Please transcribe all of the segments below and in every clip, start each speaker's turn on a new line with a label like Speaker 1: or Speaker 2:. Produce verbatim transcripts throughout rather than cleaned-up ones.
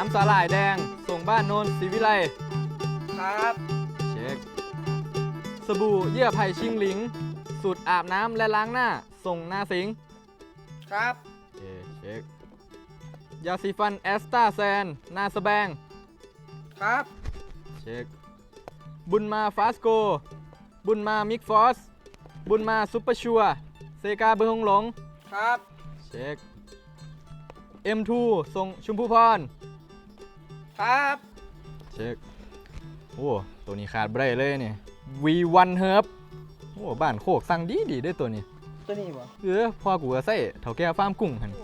Speaker 1: ำสาหร่ายแดงส่งบ้านโนนศรีวิไล
Speaker 2: ครับ
Speaker 1: เช็คสบู่เยื่อไผ่ชิงหลิงสูตรอาบน้ำและล้างหน้าส่งนาสิง
Speaker 2: ครับ
Speaker 1: เช็คยาสีฟันแอสตาแซนนาสแบง
Speaker 2: ครับ
Speaker 1: เช็คบุญมาฟาสโกบุญมามิกฟอสบุญมาซุปเปอร์ชัวเซกาเบอร์ฮงหลง
Speaker 2: ครับ
Speaker 1: เช็ค เอ็ม ทู ส่งชุมพูพร
Speaker 2: ครับ
Speaker 1: เช็คโอ้ตัวนี้ขาดไม่ได้เลยเนี่ย วี วัน Herb โอ้บ้านโคกสั่งดีดีด้วยตัวนี้
Speaker 2: ตัวนี้บ่
Speaker 1: เออพ่อกูก็ใส่เถาแก่ฟาร์มกุ้งหัน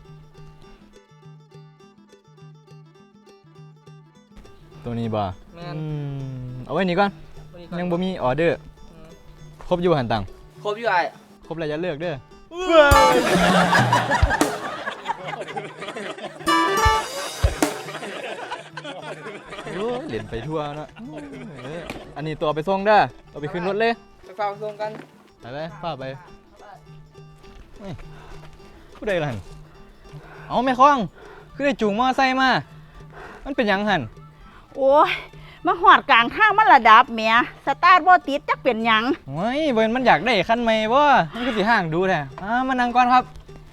Speaker 1: ตัวนี้บ่เอาไว้นี่ก่อนยังบ่มีออเดอร์ครบอยู่หันตัง
Speaker 2: ครบอยู่ไอ้
Speaker 1: ครบแล้วจะเลือกเด้อโอ้เหรียญไปทั่วเนาะอันนี้ตัวไปส่งเด้อเอาไปขึ้นรถเลย
Speaker 2: ไปฝากส่งกัน
Speaker 1: ไปไปฝากไปผู้ใดล่ะหันเอาแม่คล้องคือได้จูงมอไซค์มามันเป็นยังหัน
Speaker 3: โอ้ยมาหอดกลางทางมันระดับเมียสตาร์ทบ่ติดจักเป็นยัง
Speaker 1: โอ้ยเบิร์นมันอยากได้คันใหม่บ่มันก็สิห่างดูแท้อ่ามานั่งก่อนครับ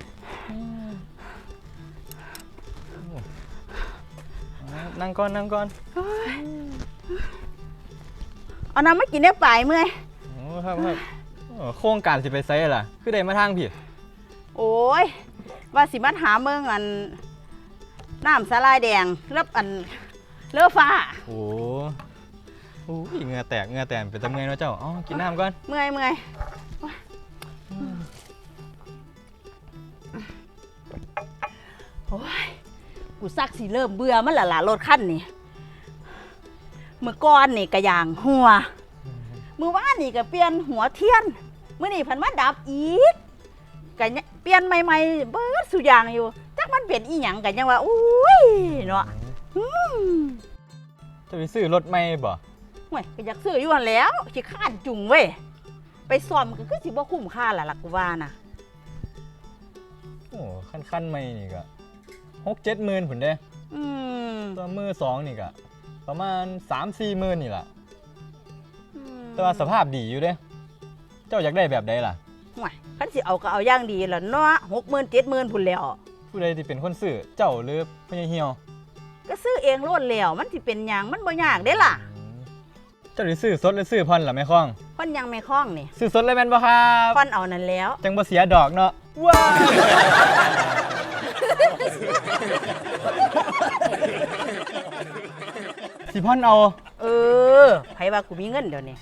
Speaker 1: นั่งก่อนนั่งก่อน
Speaker 3: เอาน้ำมากินได้ปลายเมื่อย
Speaker 1: โอ้ครับครับโครงการสิไปไซล่ะคือได้มาทางผิด
Speaker 3: โอ้ยว่าสิมาหาเมืองอันน้ำสาลายแดงแล้วอันเลือฟ้า
Speaker 1: โอ้โหเหงื่อแตกเหงื่อแตกเป็นตะเมื่อยนะเจ้าอ๋อกินน้ำก่อน
Speaker 3: เมื่อยเมื่อยโอ้ยกูซักสิเริ่มเบื่อมันละล่ะรถคันนี่เมื่อก่อนนี่กระยางหัวเมื่อวานนี่ก็เปลี่ยนหัวเทียนเมื่อนี่พันมาดับอีกกะเปลี่ยนใหม่ๆเบิดสุอย่างอยู่จักมันเป็นอีหยังกันยังว่าอุ้ยเนาะ
Speaker 1: จะไปซื้อรถใหม่บ่
Speaker 3: ห่วยก็อยากซื้ออยู่หั่นแล้วสิข้านจุงเว้ยไปซ่อมก็คือสิบ่คุ้มค่าล่ะล่ะกูว่าน่ะ
Speaker 1: โอ้คันๆใหม่นี่ก็หกเจ็ดหมื่นผุนเด้
Speaker 3: อืม
Speaker 1: ตัวมือสองนี่ก็ประมาณสามสี่หมื่นนี่ล่ะแต่ว่าสภาพดีอยู่เด้เจ้าอยากได้แบบใดล่ะ
Speaker 3: ห่วยคันสิเอาก็เอาอย่างดีล่ะเนาะหกหมื่นเจ็ดหมื่นพุ่นแล้ว
Speaker 1: ผู้ใดที่เป็นคนซื้อเจ้าหรือพ่อใหญ่เหี่ยว
Speaker 3: ก็ซื้อเองโลดแล้วมันสิเป็นหยังมันบ่ยากเด้ล่ะ
Speaker 1: เจ้าสิซื้อสดหรือซื้อผ่อนล่ะแม่ค้อง
Speaker 3: ผ่อนยังแม่ค้องนี่
Speaker 1: ซื้อสดเลยแม่นบ่ครับ
Speaker 3: ผ่อนเอานั่นแล้ว
Speaker 1: จังบ่เสียดอกเนาะว้าสิผ่อนเอา
Speaker 3: เออไผว่ากูมีเงินเดี๋ยวนี้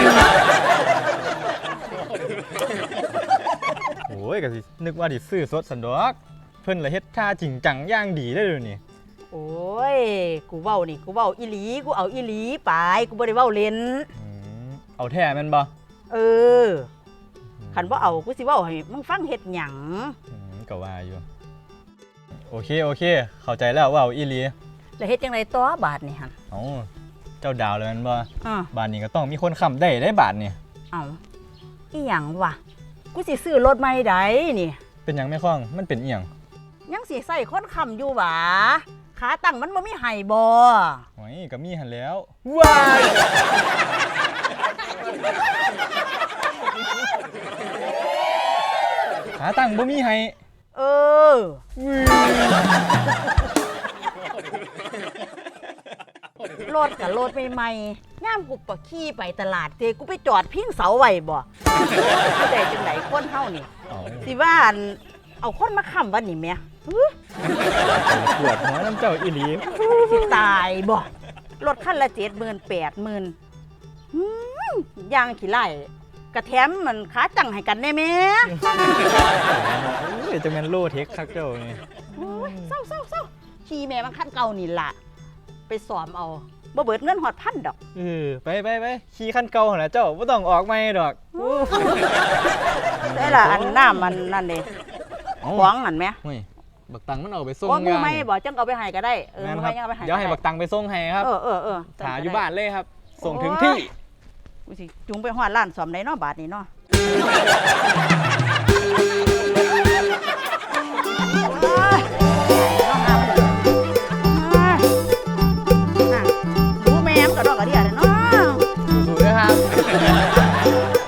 Speaker 1: โอ้ยก็สินึกว่าสิซื้อสดสันดอกเพิ่นละเฮ็ดท่าจริงจังอย่างดีได้เดี๋ยวนี้
Speaker 3: โอ้ยกูเว้านี่กูเว้าอีหลีกูเอาอีหลีไปกูบ่ได้เว้าเล่น
Speaker 1: เอาแท้แม่นบ่
Speaker 3: เออคันบ่เอากูสิเว้าให้มึงฟังเฮ็ดหยัง
Speaker 1: ก็ว่าอยู่โอเคโอเคเข้าใจแล้วว่าเอาอีหลี
Speaker 3: แล้วเฮ็ดจังได๋ต่อบาดนี่หั่น
Speaker 1: เอ้าเจ้าดาวเลยแม่นบ่บาดนี้ก็ต้องมีคนค้ำได้ได้บาดนี่
Speaker 3: เอ้าอีหยังวะกูสิซื้อรถใหม่ได้นี่
Speaker 1: เป็นหยังแม่ค้องมันเป็นอีหยัง
Speaker 3: ยังสิใส่คนค้ำอยู่หวาขาตั้งมันบ่มีไห้บ่
Speaker 1: โอ้ยก็มีหั่นแล้วว้ายขาตั้งบ่มีไห้
Speaker 3: เออรถกับรถใหม่ๆย่ามกูปะขี่ไปตลาดเจกูไปจอดพิงเสาไว้บ่กูได้จังได๋คนเฮานี่สิว่าเอาคนมาค้ำวันนี้แม่
Speaker 1: ปวดหัวน้ำเจ้าอีหลี
Speaker 3: สิตายบ่รถคันละเจ็ดหมื่นแปดหมื่นย่างขี้ไล่กระแถมมันขาจังให้กันได้แม่
Speaker 1: เดี๋ยวจะแม่นโลเทคคักเจ้านี่
Speaker 3: เศร้าเศร้าเศร้าขี่แม่มันคันเก่านี่ล่ะไปสอมเอาบ่เบิดเงินหอดพันดอก
Speaker 1: เออไปไปไปขี่คันเก่าหั่นล่ะเจ้าบ่ต้องออกใหม่ดอก
Speaker 3: ได้ล่ะอันน้ามันนั่นเด้หวงนั่นแม่
Speaker 1: บักตังมันเอาไปส่ง
Speaker 3: งานไม่บอกจังเอาไปให้ก็ได้เออไม่ยังเอาไปให้
Speaker 1: เดี๋ยวให้บักตังไปส่งให้ครับ
Speaker 3: เออเออเออ
Speaker 1: หาอยู่บ้านเลยครับส่งถึงที่
Speaker 3: กูสิจุงไปหอดร้านซ่อมได้เนาะบาทนี้เนาะ
Speaker 1: ย